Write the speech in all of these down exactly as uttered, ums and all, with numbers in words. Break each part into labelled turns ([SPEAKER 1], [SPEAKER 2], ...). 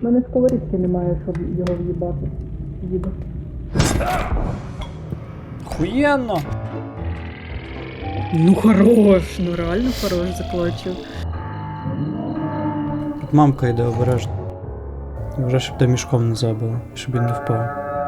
[SPEAKER 1] У мене сковорідки немає, щоб його в'їбати. Їду.
[SPEAKER 2] Охуєнно!
[SPEAKER 1] Ну хорош, ну реально хорош заклачив.
[SPEAKER 2] Тут мамка йде обережно. Вже щоб тебе мішком не забило, щоб він не впав.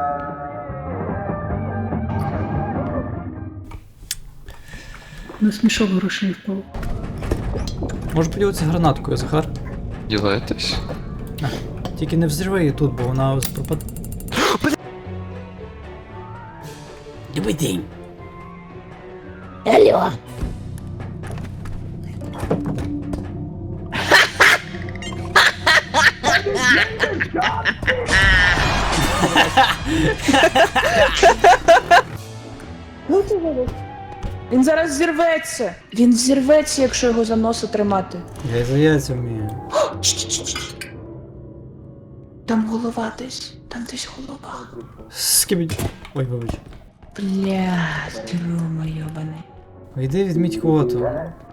[SPEAKER 1] На смішок грошей впав.
[SPEAKER 2] Може поділитися гранаткою, Захар?
[SPEAKER 3] Ділаєтесь?
[SPEAKER 2] Тільки не взривай її тут, бо вона пропаде. Добрий день.
[SPEAKER 4] Алло.
[SPEAKER 1] Він зараз зірветься. Він зірветься, якщо його за носа тримати.
[SPEAKER 2] Я і за яйця вмію.
[SPEAKER 1] Там голова десь. Там десь голова.
[SPEAKER 2] Скибідь. Ой, вибач.
[SPEAKER 1] Блядь, Рома йобаний.
[SPEAKER 2] Йди відміть квоту.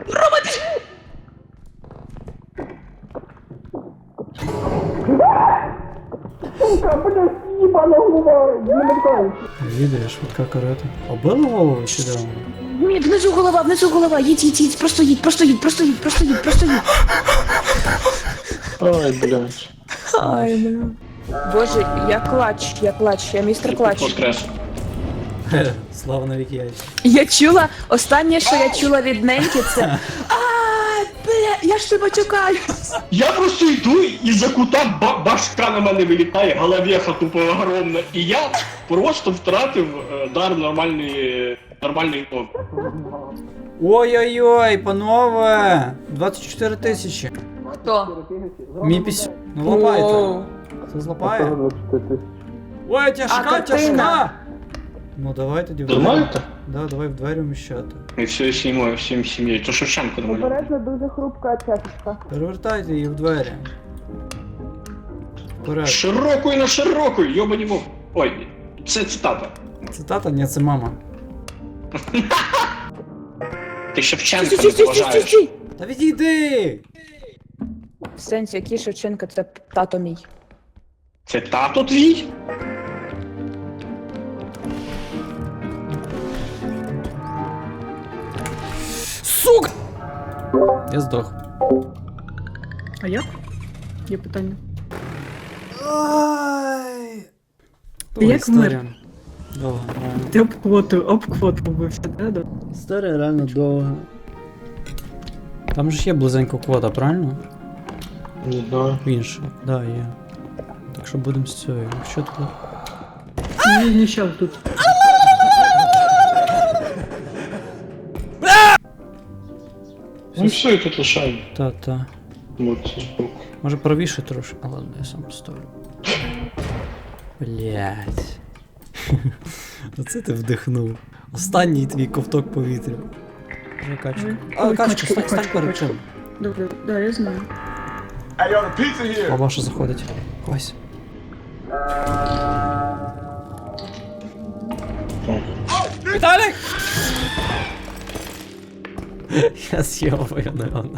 [SPEAKER 2] Їде, швидка карета. Обила голову чи де?
[SPEAKER 1] Ні, внизу голова, внизу голова. Їдь, їдь, їдь, просто їдь, просто їдь, просто їдь, просто їдь, просто їдь.
[SPEAKER 3] Ой, блядь.
[SPEAKER 1] Ай, бля. Боже, я клач, я клач, я містер клач.
[SPEAKER 3] Воскрес.
[SPEAKER 2] Хе, слава навіки яйця.
[SPEAKER 1] Я чула, останнє, що я чула від Неньки, це Ай, бля, я ж тебе чекаю.
[SPEAKER 5] Я просто йду, і за кута ба- башка на мене вилітає, головеха тупо огромна, і я просто втратив е, дар нормальної, нормальної мови.
[SPEAKER 2] Ой-ой-ой, панове! двадцять чотири тисячі.
[SPEAKER 1] Хто?
[SPEAKER 2] Мій піс... Ну лапайте. Хто злапає? Ой, тяжка,
[SPEAKER 1] А,
[SPEAKER 2] тяжка!
[SPEAKER 1] Катерина.
[SPEAKER 2] Ну давай тоді в двері.
[SPEAKER 5] Нормально-то?
[SPEAKER 2] Да, давай в двері вміщати.
[SPEAKER 5] І все сім'єю, всім сім'єю. То Шевченко до мене.
[SPEAKER 1] Обережно дуже хрупка чашечка.
[SPEAKER 2] Перевертайте її в двері. Вперед.
[SPEAKER 5] Широкою на широкою, йобані мов. Ой, це цитата.
[SPEAKER 2] Цитата? Ні, це мама.
[SPEAKER 5] Ти Шевченка
[SPEAKER 1] Стій,
[SPEAKER 5] не
[SPEAKER 1] стій, стій, стій,
[SPEAKER 5] поважаєш.
[SPEAKER 1] стій.
[SPEAKER 2] Та відійди!
[SPEAKER 1] В сенсі, який Шевченко, це тато мій.
[SPEAKER 5] Це тато твій?
[SPEAKER 2] Сука! Я здох.
[SPEAKER 1] А як? Є питання.
[SPEAKER 2] Ай!
[SPEAKER 1] Як
[SPEAKER 2] історія. Довго, реально.
[SPEAKER 1] Ти об квоту, об квоту побився, да? да?
[SPEAKER 2] Історія реально довга. Там же ж є близенько квота, правильно?
[SPEAKER 3] Не знаю.
[SPEAKER 2] Інша, да, є. Так що будемо з цією. Що тут?
[SPEAKER 1] Ні, ні, щас тут.
[SPEAKER 3] Ну все, і тут лишаємо.
[SPEAKER 2] Та-та.
[SPEAKER 3] Вот збоку.
[SPEAKER 2] Може правіше трошки? А ладно, я сам поставлю. Блять. Оце ти вдихнув. Останній твій ковток повітря. Вже качка.
[SPEAKER 1] Ой,
[SPEAKER 2] А,
[SPEAKER 1] ой,
[SPEAKER 2] качка,
[SPEAKER 1] качка,
[SPEAKER 2] стань, стань
[SPEAKER 1] качка,
[SPEAKER 2] перед
[SPEAKER 1] качка.
[SPEAKER 2] чим.
[SPEAKER 1] Добре, да, я знаю.
[SPEAKER 2] Бабаша заходить. Вась. Віталік! Я з'їбаю, не вона.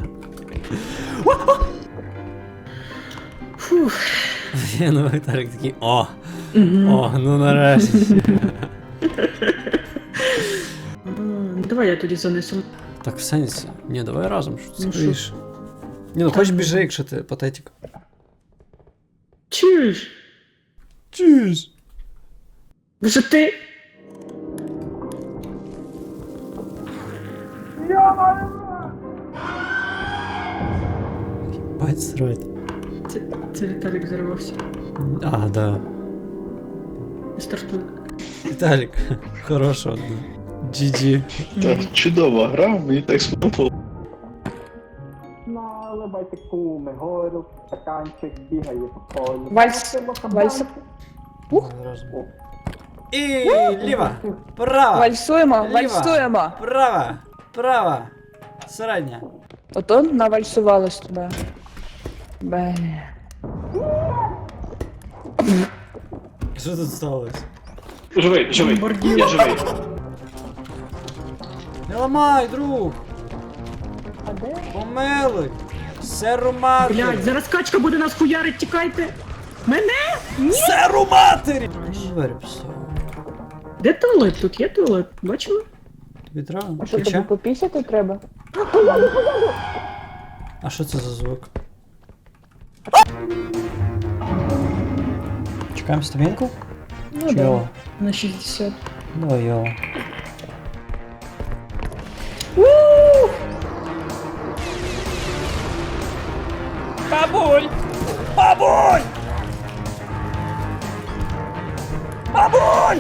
[SPEAKER 1] Фух.
[SPEAKER 2] Ну, Віталік такий, о! О, ну нарешті.
[SPEAKER 1] А, ну, давай я тоді занесу.
[SPEAKER 2] Так в сенсі. Ні, давай разом, що це
[SPEAKER 1] Ну, що?
[SPEAKER 2] скоріше. Ні, ну хоч біжи, якщо ти патетик.
[SPEAKER 1] Чуєш?
[SPEAKER 2] Чуєш?
[SPEAKER 1] Вже ти...
[SPEAKER 2] Бать срать.
[SPEAKER 1] Це, це Віталік зарвався.
[SPEAKER 2] А, да.
[SPEAKER 1] Стартуй.
[SPEAKER 2] Віталік, хорошого. джі джі.
[SPEAKER 3] Так, чудова гра, мені так сподобалося.
[SPEAKER 6] Наливайте куми, гору, стаканчик, бігає по полю.
[SPEAKER 1] Вальс, вальс.
[SPEAKER 2] Разом. І ліва, права,
[SPEAKER 1] Вальсуємо,
[SPEAKER 2] Ліва.
[SPEAKER 1] вальсуємо.
[SPEAKER 2] права, права, середня.
[SPEAKER 1] Ото навальсувалось тебе. Бе.
[SPEAKER 2] Що тут сталося?
[SPEAKER 5] Живий, живий.
[SPEAKER 1] Бомбардір.
[SPEAKER 5] Я живий.
[SPEAKER 2] Не ламай, друг! Помилуй! Серу мати!
[SPEAKER 1] Блядь, зараз качка буде нас хуярить, тікайте. Мене?
[SPEAKER 2] Серу матері! Говорю, все.
[SPEAKER 1] Де туалет? Тут є туалет, бачила?
[SPEAKER 2] Тобі треба?
[SPEAKER 4] А що тобі
[SPEAKER 2] Ключа?
[SPEAKER 4] попісяти треба?
[SPEAKER 2] А що це за звук? Чекаємо стамінку?
[SPEAKER 1] Ну
[SPEAKER 2] Чи
[SPEAKER 1] да,
[SPEAKER 2] його?
[SPEAKER 1] на шістдесят.
[SPEAKER 2] Давай його. Бабуль! Бабуль! Бабуль!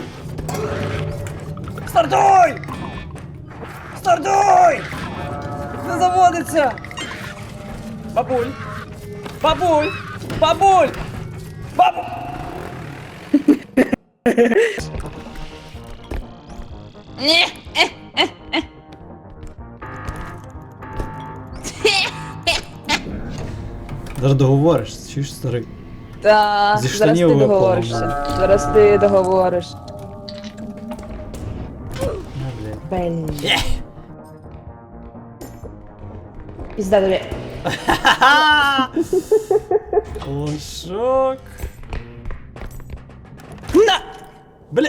[SPEAKER 2] Стартуй! Стартуй! Не заводиться! Бабуль! Бабуль! Бабуль! Бабуль! Зараз договориш, чуєш, старий?
[SPEAKER 1] Та,
[SPEAKER 2] Зі
[SPEAKER 1] зараз
[SPEAKER 2] штанів
[SPEAKER 1] ти
[SPEAKER 2] випало,
[SPEAKER 1] договоришся. Зараз ти договориш.
[SPEAKER 2] Ну, блядь.
[SPEAKER 1] Блін. Пізда тобі.
[SPEAKER 2] Лошок. На! Бля!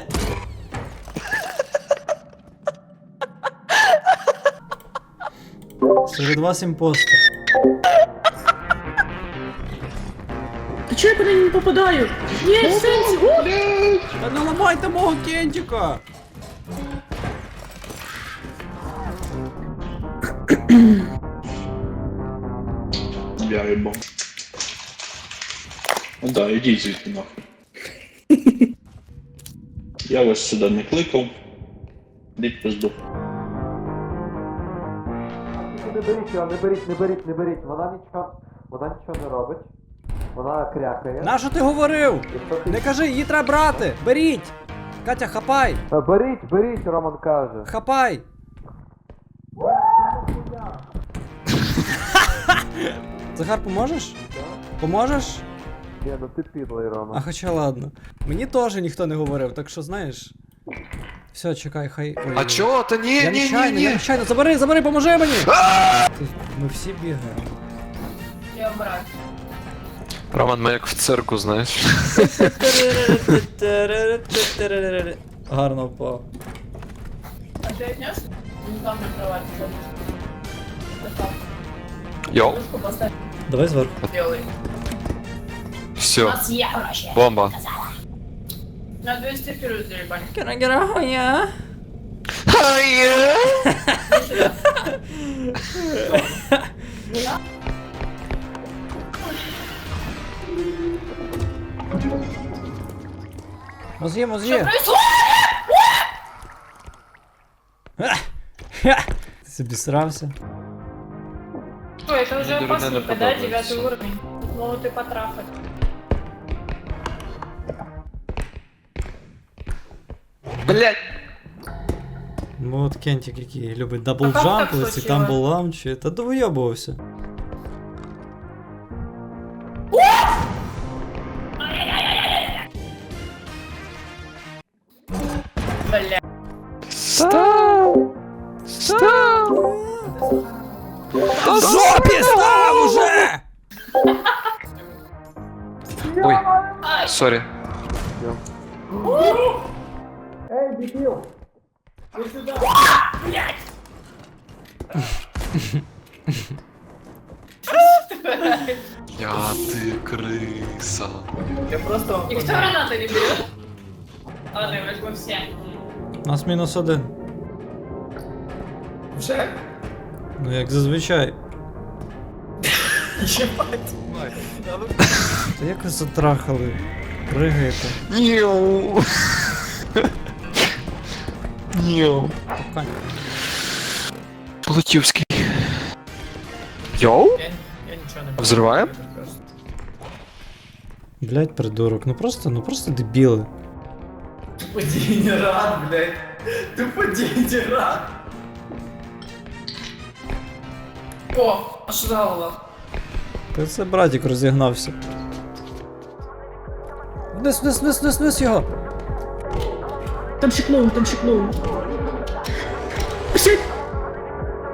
[SPEAKER 2] Серед вас імпостер.
[SPEAKER 1] Та чого я по неї не попадаю? Ні, в сенсі. О!
[SPEAKER 2] Та не ламайте мого кентика!
[SPEAKER 3] Я їбав. Ну да, ідіть звідти нахуй. Я вас сюди не кликав. Ідіть пизду.
[SPEAKER 7] Не беріть його, не беріть, не беріть, не беріть. Вона нічого, вона нічого не робить. Вона крякає.
[SPEAKER 2] Нащо ти говорив? Не кажи, її треба брати! Беріть! Катя, хапай!
[SPEAKER 7] Е, Беріть, беріть, Роман каже.
[SPEAKER 2] Хапай! Захар, поможеш? Поможеш?
[SPEAKER 7] Ні, ну ти підлий,
[SPEAKER 2] А
[SPEAKER 7] Роман.
[SPEAKER 2] хоча ладно. Мені теж ніхто не говорив, так що знаєш. Все, чекай, хай. Ой,
[SPEAKER 8] А
[SPEAKER 2] ой.
[SPEAKER 8] чого? Та ні,
[SPEAKER 2] Я
[SPEAKER 8] ні, ні,
[SPEAKER 2] нечайно, я
[SPEAKER 8] ні.
[SPEAKER 2] нечайно, забери, забери, поможи мені! Ти- Ми всі бігаємо.
[SPEAKER 8] Роман, ми як в цирку, знаєш.
[SPEAKER 2] Гарно впав.
[SPEAKER 9] А ты отнес? Не там на кровати забыл.
[SPEAKER 8] Йоу,
[SPEAKER 9] Кружку поставь
[SPEAKER 2] Давай зверху.
[SPEAKER 9] белый.
[SPEAKER 8] все,
[SPEAKER 9] Нас я вообще.
[SPEAKER 8] бомба.
[SPEAKER 9] На двести вперед заебали.
[SPEAKER 2] Кирагірагоня. Мозги, мозги. Ти собі срався?
[SPEAKER 9] Ой, это уже
[SPEAKER 8] Мне дурно
[SPEAKER 9] опасненько, да?
[SPEAKER 8] подобается.
[SPEAKER 9] Девятый уровень. Тут могут и потрафать.
[SPEAKER 8] Блять.
[SPEAKER 2] Ну от Кентик, який любить
[SPEAKER 9] А як так
[SPEAKER 2] даблджампи, ці
[SPEAKER 9] случилось?
[SPEAKER 2] тамбл лаунчі, та довйобувався.
[SPEAKER 9] Бля.
[SPEAKER 8] Став! Став!
[SPEAKER 2] Та жопі став уже!
[SPEAKER 8] Ой, сорі. Я ти криса.
[SPEAKER 9] Я просто... Никто гранаты не берет? Ладно, я возьму все.
[SPEAKER 2] Нас мінус один.
[SPEAKER 9] Уже?
[SPEAKER 2] Ну як зазвичай.
[SPEAKER 9] Ебать.
[SPEAKER 2] Та як ви затрахали? Пригаєте.
[SPEAKER 8] Ніу. Ніу.
[SPEAKER 2] Покань.
[SPEAKER 8] Лутівський. Йоу?
[SPEAKER 9] Я, я ничего не
[SPEAKER 8] Взрываем?
[SPEAKER 2] Блять, придурок, ну просто, ну просто дебіли.
[SPEAKER 9] Тупо дегенерат, блядь. Тупо дегенерат. О, ожидала.
[SPEAKER 2] Та це братик розігнався. Вниз, вниз, вниз, вниз, вниз його!
[SPEAKER 1] Там шикнув, там шикнув. Шик!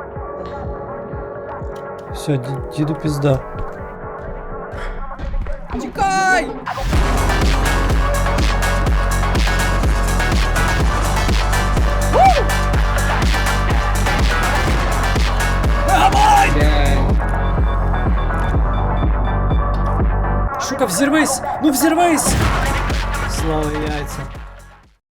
[SPEAKER 2] Все, ді- діду пізда. Тікай! Шука, взірвись! Ну взірвись! Слава яйця.